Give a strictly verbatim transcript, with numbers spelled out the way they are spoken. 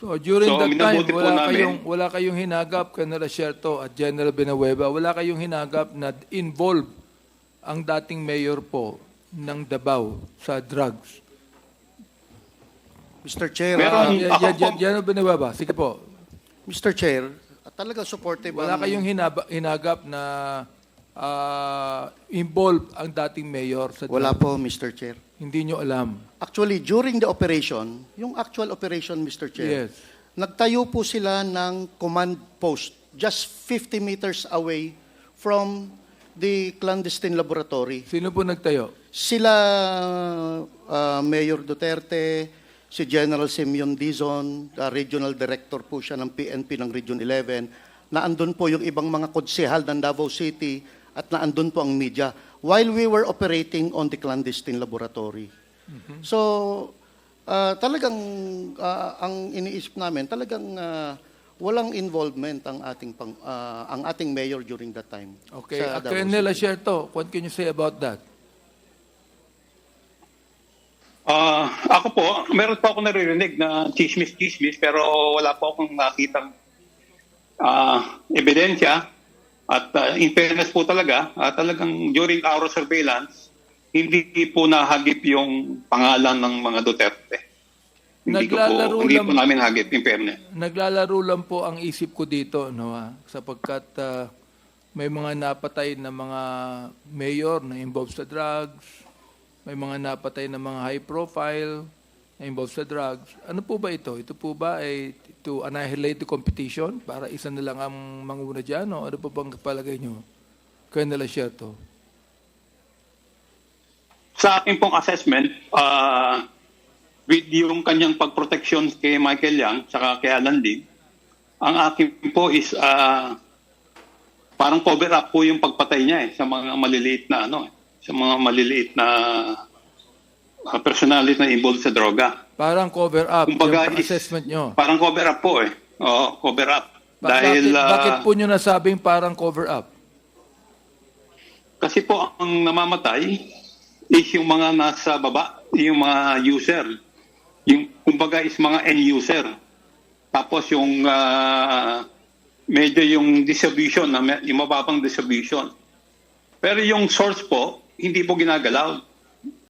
So, during So, that time, minabuti po wala namin. kayong, wala kayong hinagap, Colonel Asierto at General Benahueva, wala kayong hinagap na involved ang dating mayor po ng Davao sa drugs. Mister Chair, Meron- ah, Uh, ako po- General Benahueva, sige po. Mister Chair, ah, talagang supportive Wala ang- kayong hinaba, hinagap na ah, involved ang dating mayor sa Wala drugs. po, Mister Chair. Hindi nyo alam. Actually, during the operation, yung actual operation, Mister Chair, Yes. nagtayo po sila ng command post just fifty meters away from the clandestine laboratory. Sino po nagtayo? Sila, ah, Mayor Duterte, si General Simeon Dizon, ah, Regional Director po siya ng P N P ng Region eleven, na andun po yung ibang mga konsehal ng Davao City at na andun po ang media while we were operating on the clandestine laboratory. So, ah, talagang ah, ang iniisip namin, talagang ah, walang involvement ang ating pang, ah, ang ating mayor during that time. Okay. sa Uh, Davao Colonel City. Asierto, what can you say about that? Ah, ako po, meron po ako naririnig na chismis-chismis pero wala po akong nakitang ah, ebidensya. At ah, in fairness po talaga, ah, talagang during our surveillance, hindi po nahagip yung pangalan ng mga Duterte. Hindi, ko Naglalaro po, hindi lang- po namin hagip, in fairness. Naglalaro lang po ang isip ko dito, no, ah, sapagkat ah, may mga napatay na mga mayor na involved sa drugs, may mga napatay na mga high profile na involved sa drugs. Ano po ba ito? Ito po ba ay to annihilate the competition para isa na lang ang manguna dyan? O ano po bang palagay nyo? Colonel Asierto. Sa akin pong assessment, ah, with yung kanyang pagproteksyon kay Michael Yang saka kay Alan Lim, ang akin po is ah, parang cover up po yung pagpatay niya eh, sa mga maliliit na ano, eh, sa mga maliliit na uh, personality na involved sa droga. Parang cover up Kumbaga yung is- assessment nyo. Parang cover up po eh. Oo, cover up. Ba- Dahil bakit, ah, bakit po nyo nasabing parang cover up? kasi po ang namamatay is yung mga nasa baba, yung mga user. Yung kumbaga is mga end user. Tapos yung ah, medyo yung distribution, na may- yung mababang distribution. Pero yung source po, hindi po ginagalaw.